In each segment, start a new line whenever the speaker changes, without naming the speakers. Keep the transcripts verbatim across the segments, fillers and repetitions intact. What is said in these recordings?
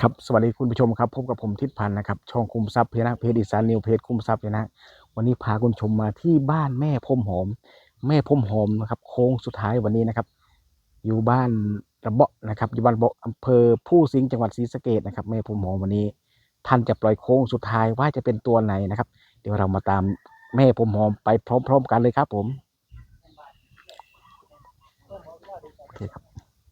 ครับสวัสดีคุณผู้ชมครับพบกับผมทิศพันธ์นะครับช่องคุมทรัพย์เพจนะเพจอีสานนิวเพจคุมทรัพย์นะวันนี้พาคุณผู้ชมมาที่บ้านแม่พรมหอมแม่พรมหอมนะครับโค้งสุดท้ายวันนี้นะครับอยู่บ้านระเบาะนะครับอยู่บ้านระเบาะอำเภอผู้สิงห์จังหวัดศรีสะเกษนะครับแม่พรมหอมวันนี้ท่านจะปล่อยโค้งสุดท้ายว่าจะเป็นตัวไหนนะครับเดี๋ยวเรามาตามแม่พรมหอมไปพร้อมๆกันเลยครับผมโอเคครับ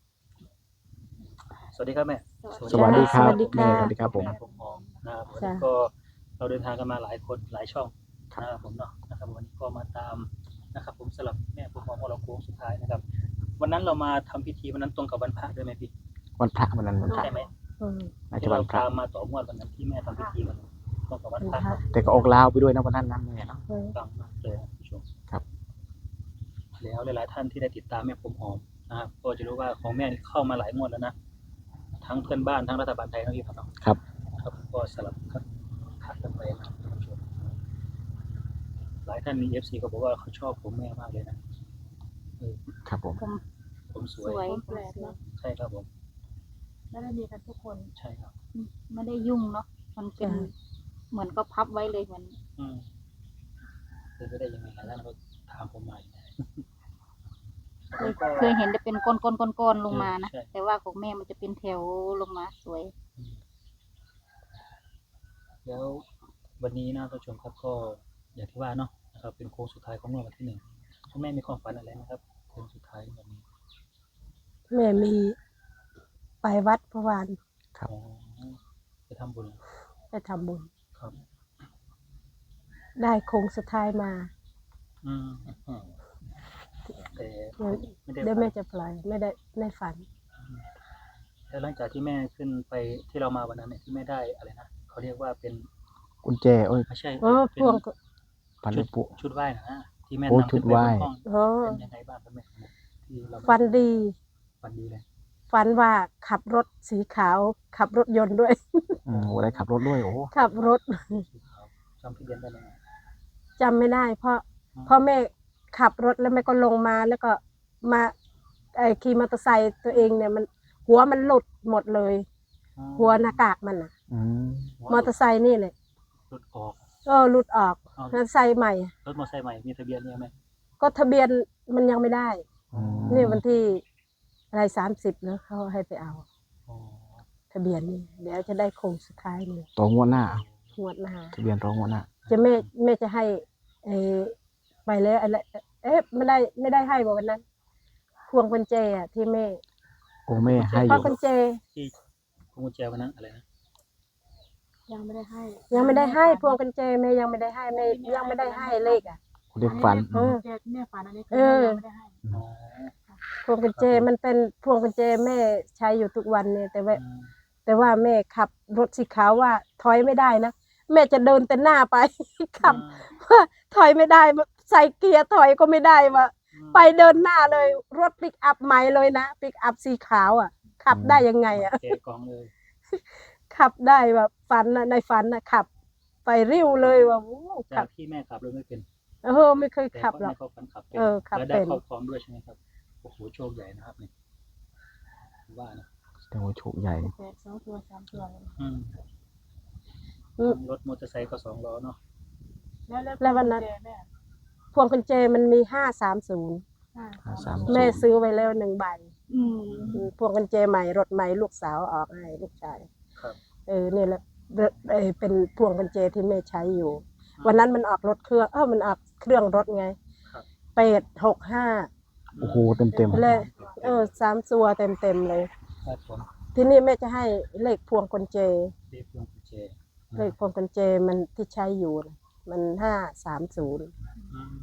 สวัสดีครับแม่
สวัสดีครับ
สวัสดี
แม่
ค่ะ
สวัสดีครับผม
แม่ผมหอมนะครับวัน
จ้ะ
นี้ก็เราเดินทางกันมาหลายคนหลายช่อง
ครับ
นะครับผมเนาะนะครับวันนี้ก็มาตามนะครับผมสลับแม่ผมหอมของเราโค้งสุดท้ายนะครับ วันนั้นเรามาทำพิธีวันนั้นตรงกับวันพระด้วยไหมพี่
วันพระวันนั้นวันพระ
ใช่ไหม
อืม
น่าจะ
ที่
วั
เรา
นพระ
ตามมาต่องวดวันนั้นที่แม่ทำพิธีวันนั้นตรงกับวันพระ
แต่ก็ออกลาวไปด้วยนะวันนั้นนะแม่เนาะ
อืม
ฟังมากเลยนะผู้ชม
ครับ
แล้วหลายๆท่านที่ได้ติดตามแม่ผมหอมนะครับก็จะรู้ว่าของแม่นี่เข้ามาหลายงวดแล้วนะทั้งเพื่อนบ้านทั้งรัฐบาลไทยนะพี่ครับเนาะ
ครับ
ครับก็สลับกันผัดกันไปนะครับท่านผู้ชมหลายท่านมี เอฟ ซี ก็บอกว่าเขาชอบผมแม่มากเลยนะเออ
ครับผม
ผม
ผมส
ส
วย
วย
แปลกเนาะ
ใช่ครับผม
ไม่ได้มีกันทุกคน
ใช่ครับ
ไม่ได้ยุ่งเนาะมันเป็นเหมือนก็พับไว้เลยเหมือน
อืมเป็นไปได้ยังไงหลายท่านก็ถามผมใหม่นะ
เคยเคยเห็นจะเป็นก้อนก้อนก้อนก้อนๆลงมานะ
ใช่
แต่ว่าของแม่มันจะเป็นแถวลงมาสวย
แล้ววันนี้นะท่านผู้ชมครับก็อย่างที่ว่าเนาะนะครับเป็นโค้งสุดท้ายของงวดวันที่หนึ่งคุณแม่มีความฝันอะไรนะครับโค้งสุดท้ายวันนี้
แม่มีไปวัดเมื่อวาน
ครับ
อ๋อไปทำบุญ
ไปทำบุญ
ครับ
ได้โค้งสุดท้ายมา
อืมอืมแต่
เดี๋ยว
ไม่ได้
เดี๋ยว
ฝั
แม่
น
จะปล่อยไม่ได้ในฝัน
แล้วหลังจากที่แม่ขึ้นไปที่เรามาวันนั้นเนี่ยที่แม่ได้อะไรนะเขาเรียกว่าเป็น
กุญแจโอ้ย
ไม่ใช่
เออ
เป็น
พวงก็
พัน
ชุ
ลู
ด
กปุ
ชุดไหว้นะที่แม่
โอ้
นำ
ชุ
ขึ้
ด
นไป
ไหว้
บนห้อง
โอ้
เป็นยังไงบ้างครับแม่ที่เรา
ฝันดี
ฝันดีเลย
ฝันว่าขับรถสีขาว ขับรถยนต์ด้วย
อืมโอ้ได้ขับรถด้วยโอ้
ขับรถ
สีขาวจำทะเบียนได้ไหม
จำไม่ได้ เพราะพ่อแม่ขับรถแล้วแม่ก็ลงมาแล้วก็มาไอ้ขี่มอเตอร์ไซค์ตัวเองเนี่ยมันหัวมันหลุดหมดเลย หัวหน้ากากมันอะ
อืม
มอเตอร์ไซค์นี่แหละ
รถออก
ก็หลุดออก
เอา
มอเตอร์ไซค์ใหม่
รถมอเตอร์ไซค์ใหม่มีทะเบียนเนี่ยไหม
ก็ทะเบียนมันยังไม่ได้
อืม
นี่วันที่อะไรสามสิบเนอะเขาให้ไปเอา
อ๋อ
ทะเบียนนี่เดี๋ยวจะได้โค้งสุดท้ายนี่
ตัวงวดหน้า
งวดหน้า
ทะเบียนรองงวดหน้า
จะแม่แม่จะให้เออไปแล้วอะไรเอ๊ะไม่ได้ไม่ได้ให้บอกวันนั้น พวงกุญแจอะที่แม่
โอ้แม่ให้อ
พวง
ยู่
กุญแจ
ที่พวงกุญแจวันนั้นอะไรนะ
ยังไม่ได้ให้
ยังไม่ได้ให้พวงกุญแจแม่ยังไม่ได้ให้แม่ยังไม่ได้ให้เลขอ่ะ
เรียกฝัน
เออ
แม่ฝันอันนี้
เออ
ยังไม่ได้ให้
อ๋อ
พวงกุญแจมันเป็นพวงกุญแจแม่ใช้อยู่ทุกวันเนี่ยแต่ว่า
อืม
แต่ว่าแม่ขับรถสีขาวว่าถอยไม่ได้นะแม่จะเดินแต่หน้าไป ขับว่าถอยไม่ได้ใส่เกียร์ถอยก็ไม่ได้ว่า
อืม
ไปเดินหน้าเลย รถปิกอัพใหม่เลยนะปิกอัพสีขาวอ่ะ ขับได้ยังไงอ่ะ
แกะกล่องเลย
ขับได้แบบฝันนะในฝันนะขับ ไปริ้วเลยว่าโอ้ขั
จา
บ
กที่แม่ขับรถไม่เป็น
เออไม่เคย
แต่
ขับ
ก็
หร
แม่
อก
เขาฝันขับเป็น
เออขับ
แล้วได้
เป็น
ครอบครองด้วยใช่ไหมครับโอ้โหโชคใหญ่นะครับนี่ว่านะ
แต่ว่าโชคใหญ่
แปดสองตัวสามตัวเลย
อืม
อืม
รถมอเตอร์ไซค์ก็สองล้อเนาะ
แล้วแล้ว
แล้ววันนั้น
กุญจแม่
พวงกุญแจมันมีห้าสามศูนย์
ห้า
ห้าสาม
แม่ซื้อไว้แล้วหนึ่งใบ
อืม
อืมพวงกุญแจใหม่รถใหม่ลูกสาวออกให้ลูกชาย
ครับ
เออนี่แหละเออเป็นพวงกุญแจที่แม่ใช้อยู่ วันนั้นมันออกรถเครื่องเออมันออกเครื่องรถไง
ครับ
เป็ดหกห้า
โอ้โหเต็มเต็ม
เลย เออสามตัวเต็มเต็มๆเลย
ครับผม
ที่นี่แม่จะให้เลขพวงกุญแจ
เรียกพวงกุญแจ
เลขพวงกุญแจมันที่ใช้อยู่น่ะมันห้าสามศูนย์
อืม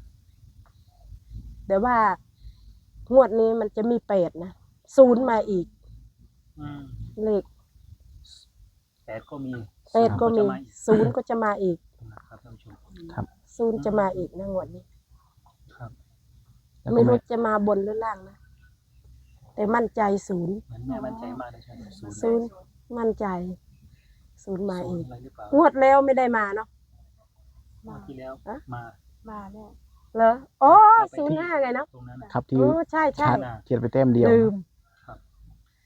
แต่ว่างวดนี้มันจะมีเป็ดนะศูนย์มาอีก
อืม
เลข
แปดก็มี
เป็ดก็มี
จะาอี
ศูนย์ก็จะมาอีก
นะครับท่านผู้ชม
ครับ
ศูนย์จะมาอีกนะงวดนี้
ครับ
แล้วก็
ไม่
แม่
รู้จะมาบนหรือล่างนะ แต่มั่นใจศูนย์
เหมือนแม่มั่นใจมากเลยใช่ไหมศูนย์
ศูนย์มั่นใจ ศูนย์มา
ศู
อี
น
ก
ย์อะไรหรือเปล่าง
วดแล้วไม่ได้มาเนาะ
งวดที่แล้ว
อะ
มา
มาแน่
เหรออ๋อศูนย์ห้าไงเนาะ
ตรงนั้นน่ะ
ครับที่
เออใช่ใช่
ชาร์จเทียนไปเต็มเดียว
ลืม
ครับ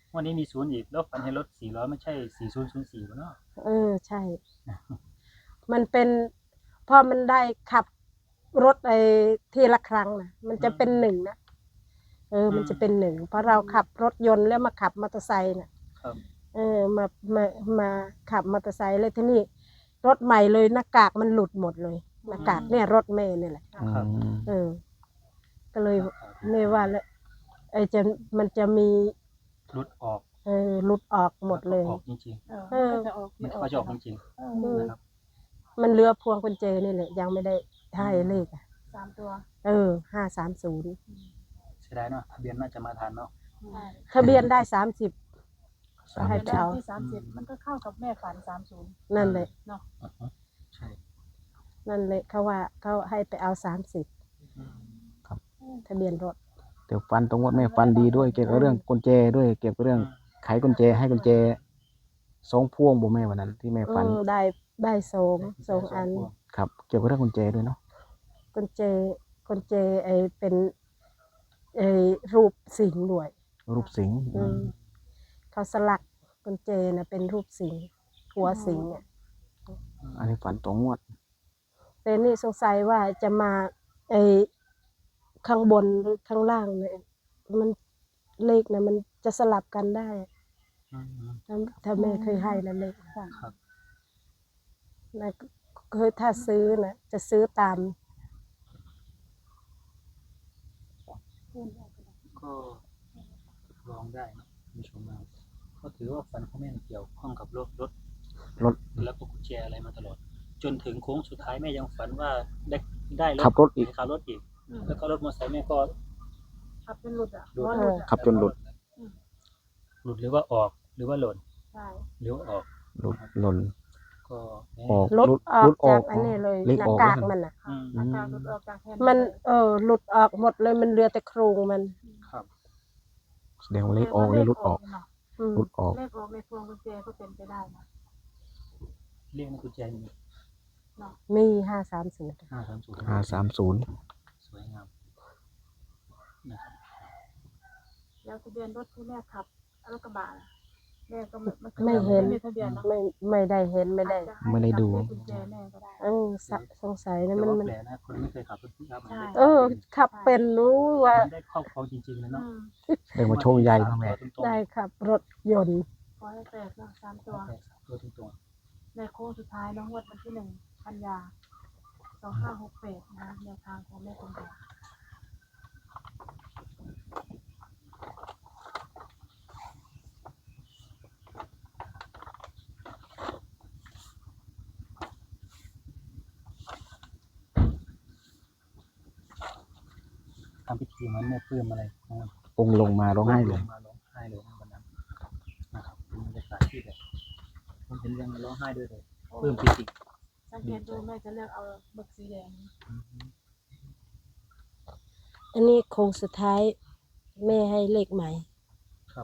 วันนี้มีศูนย์อีกแล้วฝันเห็นรถสี่ล้อไม่ใช่สี่ศูนย์ศูนย์สี่เนาะ
เออใช่ มันเป็นพอมันได้ขับรถไอ้ทีละครั้งนะมันจะเป็นหนึ่งนะเออ มันจะเป็นหนึ่งเพราะเราขับรถยนต์แล้วมาขับมอเตอร์ไซค์น่ะ
ครับ
เออมามามาขับมอเตอร์ไซค์เลยที่นี่รถใหม่เลยหน้ากากมันหลุดหมดเลยหน้ากากเนี่ยรถเมย์นี่แหละ
ครับ
เออ ก็เลยไม่ว่าแล้วไอ้จะมันจะมี
รุดออก
เออหลุดออกหมดเลย
ออกจริง
เออ
ๆมันเขาจะออกจริง
อื
ๆ
ม
นะครับ
มันเรือพวงกุญแจนี่แหละยังไม่ได้ให้เลขอ่ะ
สามตัว
เออห้าสามศูนย์
เสียดายเนาะทะเบียนน่าจะมาทันเนาะ
ทะเบียนได้สามสิบ
สาม
ให้
สิบ
ไปเอา
ที่สามสิบมันก็เข้ากับแม่ฝันสามศูนย์
นั่นเลย
เนาะ
อ่าฮะใช่
นั่นเลยเขาว่าเขาให้ไปเอาสามสิบ
อืม
ทะเบียนรถ
เดี๋ยวฟันตรงวัดแม่ฟันดีด้วยเกี่ยวกับเรื่องกุญแจด้วยเกี่ยวกับเรื่องไขกุญแจให้กุญแจสองพวงบ่แม่วันนั้นที่แม่
เอ
ฟัน
อได้ได้สองสองอัน
ครับ เกี่ยวกับเรื่องกุญแจด้วยเนาะ
กุญแจกุญแจไอเป็นไอรูปสิงห์ด้วย
รูปสิงห์
อืมเขาสลักกุญแจนะเป็นรูปสิงห์หัวสิงห์เนี่ย
อันนี้ฝันตรงงวด
แต่นี่สงสัยว่าจะมาไอข้างบนหรือข้างล่างเนี่ยมันเลขนะมันจะสลับกันได้
อืม
ถ้าถ้าแม่เคยให้นะเลข
ครับ
นะเคยถ้าซื้อนะจะซื้อตาม
ก็ลองได้นะคุณผู้ชมนะก็ถือว่าฝันของแม่เกี่ยวข้องกับรถรถ
รถ
แล้วก็กุญแจอะไรมาตลอด จนถึงโค้งสุดท้ายแม่ยังฝันว่าได้ได้
ขับรถอีก
ขับรถอีก แล้วก็รถมอเตอร์ไซค์แม่ก็
ขับเป็นหลุดอ่ะ
หลุด
ว่าหลุดอ่ะ
ขับจนหลุด
หลุดหรือว่าออกหรือว่าหล่น
ใช่
หรือว่าออก
หลุดหล่น
ก็แม่
ออก
ลด
หลุด
ออ
หลุ
ก
ดออ
จาก กอันนี้เลย
เลข
หน้า
ออก
กาก
แล้ว
มันอ่ะ
อืม
หน้าตาหลุดออกจากแผ่น
มันเออหลุดออกหมดเลยมันเหลือแต่โครงมัน
ครับ
แสดงว่าเลขออกเลยหลุดออก
เนาะ
อืม
หลุดออก
เลขออกในพวงกุญแจก็เป็นไปได้นะ
เรียกในกุญแจมี
มีห้าสามศูนย์
ห้าสามศูนย์
ห้าสามศูนย์
สวยงามนะครับ
แล้วทะเบียนรถที่แม่ขับรถกระบะน่ะแม่ก็ไม่
ไม่เห็น
ไม่มีทะเบียนเนาะ
ไม่ไม่ได้เห็นไม่ได้
อาจจะให้
ไม่ได้ดู
เลขกุญแจแม่ก็ได้
เออสะสงสัย
แต่
นะมัน
ว่า
มัน
แปลกนะคนไม่เคยขับรถปิกอัพมัน
ใช่
ได้
เออ ขับเป็นรู้ว่า
มันได้ครอบครองจริงๆเลย
อื
เนาะ
ม
แสดงว่าโชคใหญ่มากแม่
ตรงๆ
ได้ขับรถยนต์
ขอให้แตกเนาะสามตัว
แปลกตัวตรง
ในโค้งสุดท้ายน้องงวดวันที่หนึ่งกันยาสองห้าหกแปดนะแนวทางของแม่คงแดง
ๆทำพิธีเหมือนแม่ปลื้มอะไรนะครับ
องค์ลงมาร้องไห้เลย
มาร้องไห้เลยนะวันนั้นนะครับเป็นบรรยากาศที่แบบผมเห็นเรื่องร้องไห้ด้วยเลยปลื้มปิติ
สังเกตดูแม่จะเลือกเอาหมึกสีแดง
อันนี้โค้งสุดท้ายแม่ให้เลขใหม่
ครับ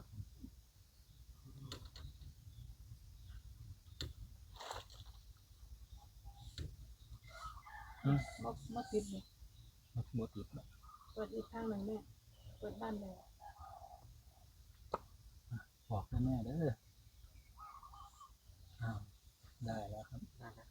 อืม
มดมดติดเลย
หมดหมดอีกแล้ว
เปิดอีกข้างหนึ่งแม่เปิดบ้านเลย
บอกแม่เด้ออ้าวได้แล้วครับได้แล้ว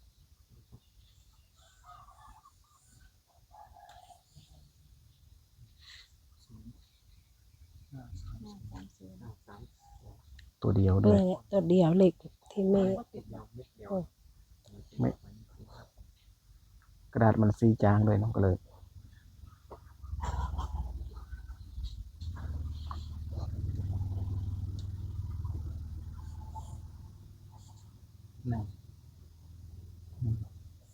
ศูนย์ห้าสาม
ห้า
ศูนย์
สามศูนย์
ห้าสาม
ตัวเดียวด้วย
นี่ตัวเดียวเลขที่แม่
มดติดเนาะ
ไม่ กระดาษมันซีจางด้วยเน้องก็เลย
หนึ่งหนึ่ง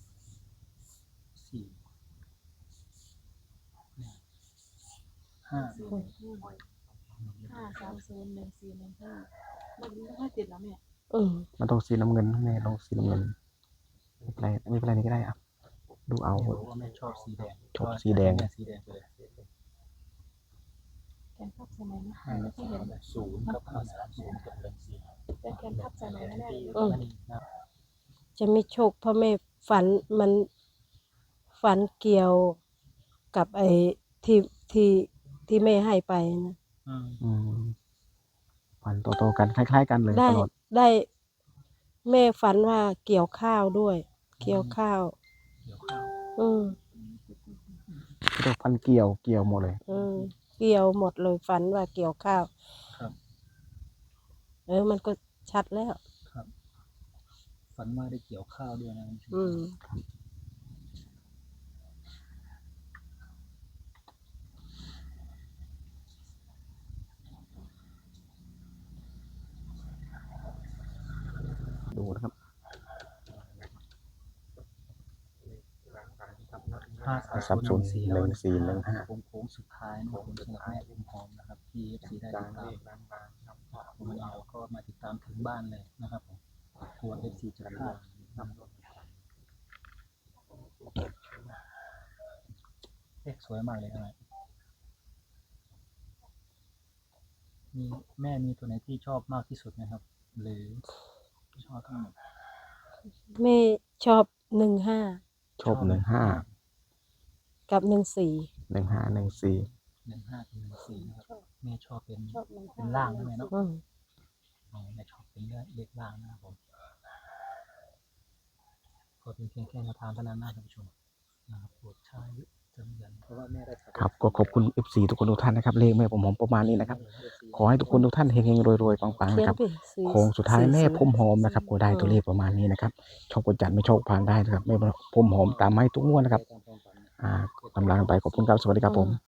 สี่หนึ่งห้า
สี่หนึ่งห้าห้าสามศูนย์หนึ่งสี่หนึ่งห้ามันไม่ค่อยติดนะแม่
อืม
มันต้องสีน้ำเงินแม่ต้องสีน้ำเงินไม่เป็นไรไม่เป็นไรนี่ก็ได้อ่ะดูเอา
แม่บอกว่าแม่ชอบสีแดง
ชอบสีแดง
ม่สีแดงไปเลย
แกนพับใส่ไหนนะ
ห้า
ไม่ค่อยเห็น
ศูนย์กับห้าสามศูนย์กับหนึ่งสี่
แต่แกนพับใส่ไหนนะแม่
อืม
นะ
จะไม่โชคเพราะแม่ฝันมันฝันเกี่ยวกับไอ้ที่ที่ที่แม่ให้ไปนะ
อืม
อืมฝันฝันโตๆกันคล้ายๆกันเลย
ได้
ตลอด
ได้ แม่ฝันว่าเกี่ยวข้าวด้วย เกี่ยวข้าว
เกี่ยวข้าว
อืม
เรียกฟันเกี่ยวเกี่ยวหมดเลย
อืมเกี่ยวหมดเลยฝันว่าเกี่ยวข้าว
ครับ
เออมันก็ชัดแล้ว
ครับ ฝันว่าได้เกี่ยวข้าวด้วยนะคุณผู้ชม
อืม
ดูนะครับ
ห้า
สั
สา
บ
ม
ส
ศู
น
นย์สี่
หนึ่งสี่หนึ่งห้า
โค้งโค้งสุดท้ายนะครับผมสำหรับแม่อุ้มหอมนะครับที่ เอฟ ซี ได้ติดตามผมเอาก็มาติดตามถึงบ้านเลยนะครับผมกลัว เอฟ ซี จะพลาดเลขสวยมากเลยนะมีแม่มีตัวไหนที่ชอบมากที่สุดไหมครับ หรือชอบทั้งหมด
แม่ชอบหนึ่งห้า
ชอบหนึ่งห้า
กับหนึ่งสี่
หนึ่งห้าหนึ่งสี่
หนึ่งห้ากับหนึ่งสี่นะครับแม่ชอบเป็นเป็นล่างใช่ไหมเนาะ
อืม
อ๋อแม่ชอบเป็นเลขล่างนะครับผมก็เป็นเพียงแค่แนวทางเท่านั้นนะท่านผู้ชมนะครับโปรดใช้จำยันเพราะว่าแม่ได้
ครับก็ขอบคุณ เอฟ ซี ทุกคนทุกท่านนะครับเลขแม่ผมหอมประมาณนี้นะครับ ขอให้ทุกคนทุกท่านเฮงๆรวยๆปังๆ
เขีย
นะ
น
ครับ
ไปสี่
โค้งสุดท้ายแม่
สี่
พรมหอมนะครับก็ได้ตัวเลขประมาณนี้นะครับชอบกดจัดไม่ชอบผ่านได้นะครับแม่พรมหอมตามให้ทุกงวดนะครับอ่าตำรางไปขอบคุณครับสวัสดีครับผม